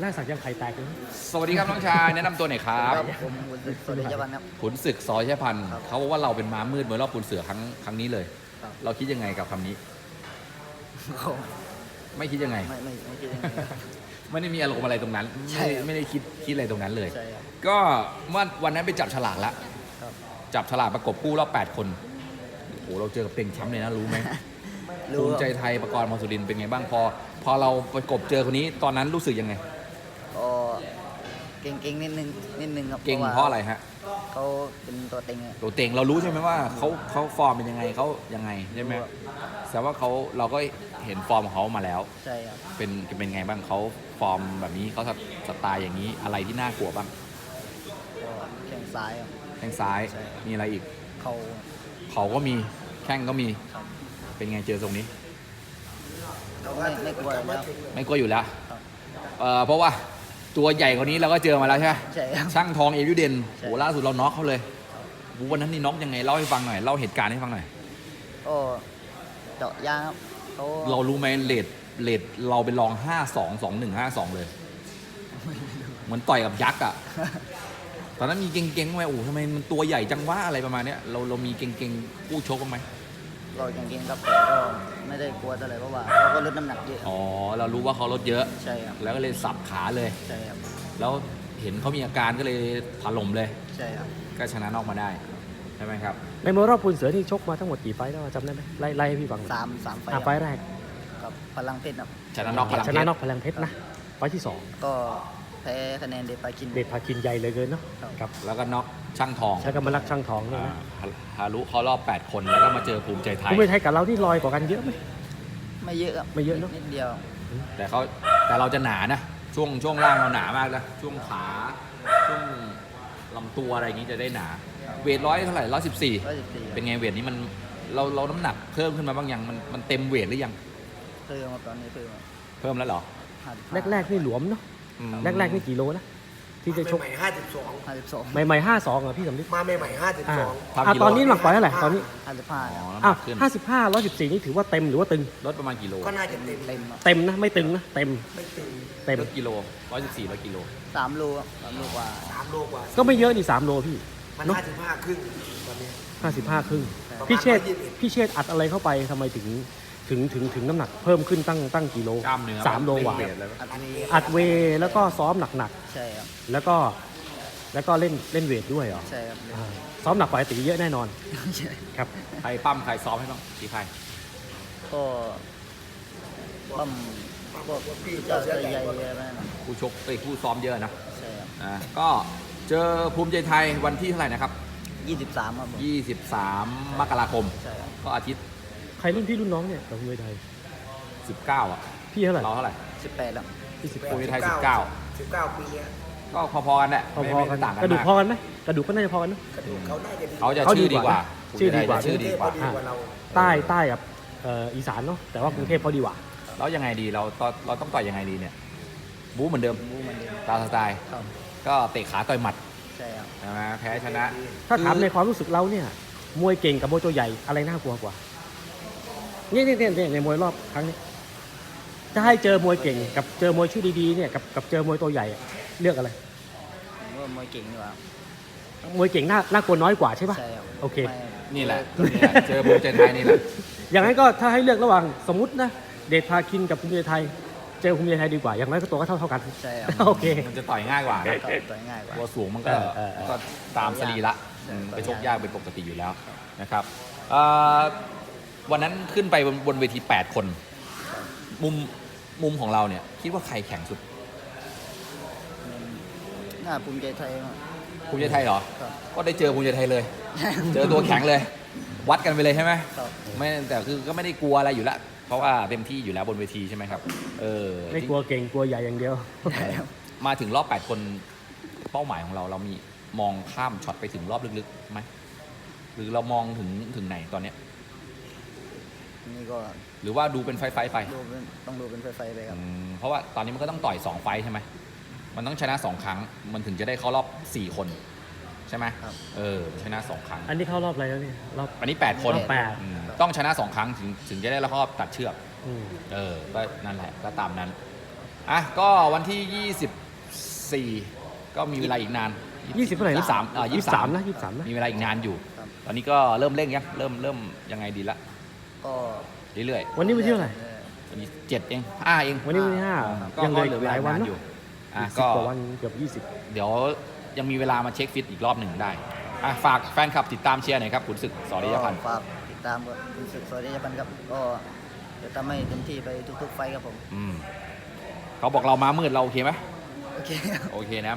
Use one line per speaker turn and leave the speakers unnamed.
แรกสักยังไข่แตกเลย
สวัสดีครับน้องชายแนะนำตัวหน่อยครับ
ผมขุนศึกสวัสดีเจ้าพันครับ
ขุนศึกสอชัยพันธ์
ครับ
เขาบอกว่าเราเป็นม้ามืดเหมือนรอบขุนเสือครั้งนี้เลย
ครับ
เราคิดยังไงกับคำนี้ ไม่คิดยังไง
ไม่คิดยังไงครับ
ไม่ได้มีอารมณ์อะไรตรงนั้น
ใช่ครับ
ไม่ได้คิดอะไรตรงนั้นเลย
ใช่ครับ
ก็เมื่อวันนั้นไปจับฉลากแล้ว
ครับ
จับฉลากประกบคู่รอบ8 คนโอ้โหเราเจอกับเต็งแชมป์เลยนะรู้ไหม
รู้
ภู
ค
มิ
รับ
ใจไทยประกรณ์พรสุรินทร์เป็นไงบ้างพอเราประกบเจอคนนี้ตอนนั้นรู้สึกยังไง
ก็เก่งๆนิดนึงครับ
เก่งเพราะอะไรฮะ
เขาเป็นตัวเต็งอะ
ตัวเต็งเรารู้ใช่ไหมว่าเขาฟอร์มเป็นยังไงเขายังไงใช่ไหมแต่ว่าเราก็เห็นฟอร์มของเขามาแล้ว
ใช่ครับ
เป็นไงบ้างเขาฟอร์มแบบนี้เขาสไตล์อย่างนี้อะไรที่น่ากลัวบ้าง
ก็แข้งซ้ายครับ
แข้งซ้าย
ใช่
มีอะไรอีก
เขา
เขาก็มีแข้งก็มี
ครับ
เป็นไงเจอตรงนี้
ไม่กลัวแล้ว
ไม่กลัวอยู่แล้ว
ครับ
เพราะว่าตัวใหญ่กว่านี้เราก็เจอมาแล้วใช่ไหม
ใช่ครับ
ช่างทองเอวิเดน
ใช่
โหล่าสุดเราน็อกเขาเลยวันนั้นนี่น็อกยังไงเล่าให้ฟังหน่อยเล่าเหตุการณ์ให้ฟังหน่อย
ก็เจาะยางครับเขา
เรารู้ไหมเลดเราไปลอง 5-2-2-1-5-2 เลยเหมือนต่อยกับยักษ์อ่ะ ตอนนั้นมีเก่งๆไหมโอ้ทำไมมันตัวใหญ่จังวะอะไรประมาณเนี้ยเรามีเก่งๆผู้ชกบ้างไหม
ก็เก่งๆครับแต่ก็ไม่ได้กลัวเท่าไหร่เพราะว่าเขาก็ลดน้ำหนักเยอะ
อ๋อเรารู้ว่าเขาลดเยอะ
ใช่ครับ
แล้วก็เลยสับขาเลย
ใช่ครับ
แล้วเห็นเขามีอาการก็เลยถล่มเลย
ใช่ครับ
ก็ชนะนอกมาได้ใช่ไหมครับ
ในมวยรอบปูนเสือที่ชกมาทั้งหมดกี่ไฟต์แล้วจำได้ไหมไล่ให้พี่ฟังหน่อย
สามไฟ
ไฟล์แรก
กับพลังเพชรครับ
ชนะนอกพลัง
ช
เพ
นะ
ชร
นอกพลังเพชรนะไฟล์ที่สอง
ก็แพ้คะแนนเดชปากิน
เดชพาคินใหญ่เลยเกินเนาะ
ครับ
ครับ
แล้วก็น็อกช่างทอง
ใช้กำมลักช่างทองเนี่ยนะ
ฮารุเขารอบ 8 คนแล้วก็มาเจอภูมิใจไทย
ภูมิใจไทยกับเราที่ลอยกว่ากันเยอะไหม
ไม่เยอะครับ
ไม่เยอะเนอะ
นิดเดียว
แต่เราจะหนานะช่วงล่างเราหนามากนะช่วงขาช่วงลำตัวอะไรอย่างนี้จะได้หนา เวทเท่าไหร่114
114
เป็นไงเวทนี้มันเราน้ำหนักเพิ่มขึ้นมาบ้างยังมันเต็มเวทหรือยัง
เพิ่มมาตอนนี้เพิ่ม
เพิ่มแล้วเหรอ
แรกๆนี่หลวมเนาะ
อืม
แรกๆนี่กี่โลนะที่จะชก
ใหม่ๆ
52
ใหม่ๆ52อ่ะพี่สำลิด
52 มาใหม่ๆ
ตอนนี้หลักปล่อยเท่าไหร่ตอนนี้
55
อ๋อ
ครับ
น้ำห
อ้า
นั
ว
กขึ้น
55 114นี่ถือว่าเต็มหรือว่าตึง
ลดประมาณกี่โล
52 ก็น่าจะเต็ม
เต็มครับ
เต็มนะไม่ตึงนะเต็ม
ไม่ตึง
เต็ม
ลดกิโล114 1กิโล
3โลครับ3โลกว่า
3 โลกว่า
ก็ไม่เยอะนี่3โลพี่
มัน
เนอะ
55 ครึ่งตอนนี้
55 ครึ่ง
ประมาณ
พี่เชษฐ์
121
พี่เชษฐ์อัดอะไรเข้าไปทำไมถึงน้ำหนักเพิ่มขึ้นตั้งกี่โล
กล้ามเนื้อ
3 โลกว่า
เวทเลย
อันนี้
อัดเวย์แล้วก็ซ้อมหนัก
ใช่ครับ
ๆแล้วก็เล่นเวทด้วยเหรอ
ใช่ครับ
อ่าซ้อมหนักกว่าไอ้ตีเยอะแน่นอน
ใช่
ครับ
ใครปั้มใครซ้อมให้บ้างที่ใคร
ก็ปั้มพวกเจ้าใหญ่ๆอะไรนั่นนะ
ผู้ชกผู้ซ้อมเยอะนะ
ใช่ครับ
ก็เจอภูมิใจไทยวันที่เท่าไหร่นะครับ
23ครับผม
23 มกราคม
ใช่ครับ
ก็อาทิตย์
ใครรุ่นพี่รุ่นน้องเนี่ยกับมวยไทย
19 อ่ะ
พี่เท่าไหร่
เราเท่าไหร่
18แล้ว
พี่10
ภูมิใจไทย
19 ปีเนี้ย
ก็พอๆกันแหละ
พอๆกัน
ไม่ต่างกัน
กระดูก
มาก
พอกันไหมกระดูกก็น่าจะพอกันเนอะ
กระดูกเขาน่าจะดี
เขาจะ
เขา
ชื่อ
ดี
ดี
ก
ก
ว่า
ว่า
ชื่อดีกว่า
ชื่อดีกว่า
ดีกว่าเรา
ใต้กับอีสานเนาะแต่ว่ากรุงเทพเขาดีกว่า
แล้วยังไงดีเราต้องต่อยยังไงดีเนี่ยบู๊เหมือนเดิม
บูมันเดิม
ตามสไตล์
ครับ
ก็เตะขาต่อยหมัด
ใช่ครับ
ใช่ไหมแพ้ชนะ
ถ้าถามในความรู้สึกเราเนี่ยมวยเก่งกับมวยตัวใหญ่อะไรน่ากลัวกว่าเนี่ยในมวยรอบครั้งนี้จะให้เจอมวยเก่งกับเจอมวยชื่อดีๆเนี่ยกับเจอมวยตัวใหญ่อะเลือกอะไร
ผมว่ามวยเก่งดีกว่า
มวยเก่งน่ากลัวน้อยกว่าใช่ปะ
ใช่ครับ
โอเค
ไม่
นี่แหละเจอภูมิใจไทยนี่แหละ
อย่างนั้นก็ถ้าให้เลือกระหว่างสมมตินะเดชพาคินกับภูมิใจไทย เจอภูมิใจไทยดีกว่าอย่างน้อยก็ตัวก็เท่ากัน
ใช่ครับ
โอเค
มันจะต่อยง่ายกว่านะ
ก็ต่อยง่ายกว่า
ตัวสูงมันก็
เออ
ก็ตามสรีละ
ใช่
ไปชกยากเป็นปกติอยู่แล้วนะครับวันนั้นขึ้นไปบนเวที 8 คน มุมของเราเนี่ยคิดว่าใครแข็งสุด
น่าภูมิใจไทยมาก
ภูมิใจไทยเหรอ
ครับ
ก็ได้เจอภูมิใจไทยเลย เจอตัวแข็งเลย วัดกันไปเลยใช่ไหม
ครับ
ไม่แต่คือก็ไม่ได้กลัวอะไรอยู่แล้ว เพราะว่าเต็มที่อยู่แล้วบนเวทีใช่ไหมครับ
ไม่กลัวเก่งกลัวใหญ่อย่างเดียว
มาถึงรอบ 8 คนเป้าหมายของเรามีมองข้ามช็อตไปถึงรอบลึกๆไหมหรือเรามองถึงไหนตอนเนี้ย
นี่ก็
หรือว่าดูเป็นไฟไป
ต้องดูเป็นไฟๆไปครับ
เพราะว่าตอนนี้มันก็ต้องต่อย2 ไฟท์ใช่ไหมมันต้องชนะ2 ครั้งมันถึงจะได้เข้ารอบ4 คนใช่ไหม
ครับ
ชนะ2 ครั้ง
อันนี้เข้ารอบอะไรแล้วเนี่ยรอบ
อันนี้8 คน
รอบแปด
ต้องชนะ2 ครั้งถึงจะได้เข้ารอบตัดเชือก
อืม
ก็นั่นแหละก็ตามนั้นอ่ะก็วันที่ 24 ก็มีเวลาอีกนาน
20เท่าไหร่นะ
23
23นะ23นะ
มีเวลาอีกนานอยู่
ครับ
ตอนนี้ก็เริ่มเร่งยังเริ่มยังไงดีละ
ก็
เรื่อย
วันนี้วันที่เท่าไหร่
ๆวันนี้7เอง5เอง
วันนี้วันที่ห้า
ก็
ยังเหลือ
เหลือ
อี
เว
กห
ลา
ลายวัน
นาน
เน
อยู่
อะ
อ่ะ
สิบ
ก็
กว่าวันเกือบ
เดี๋ยวยังมีเวลามาเช็คฟิตอีกรอบหนึ่งได้อ่ะฝากแฟนคลับติดตามเชียร์หน่อยครับขุนศึกสอริยพันธ์
ฝากติดตามกับคุณศึกสอริยพันธ์ครับก็จะทำให้เต็มที่ไปทุกๆไฟท์ครับผม
เขาบอกเรามามืดเราโอเคไหม
โอเค
โอเคนะ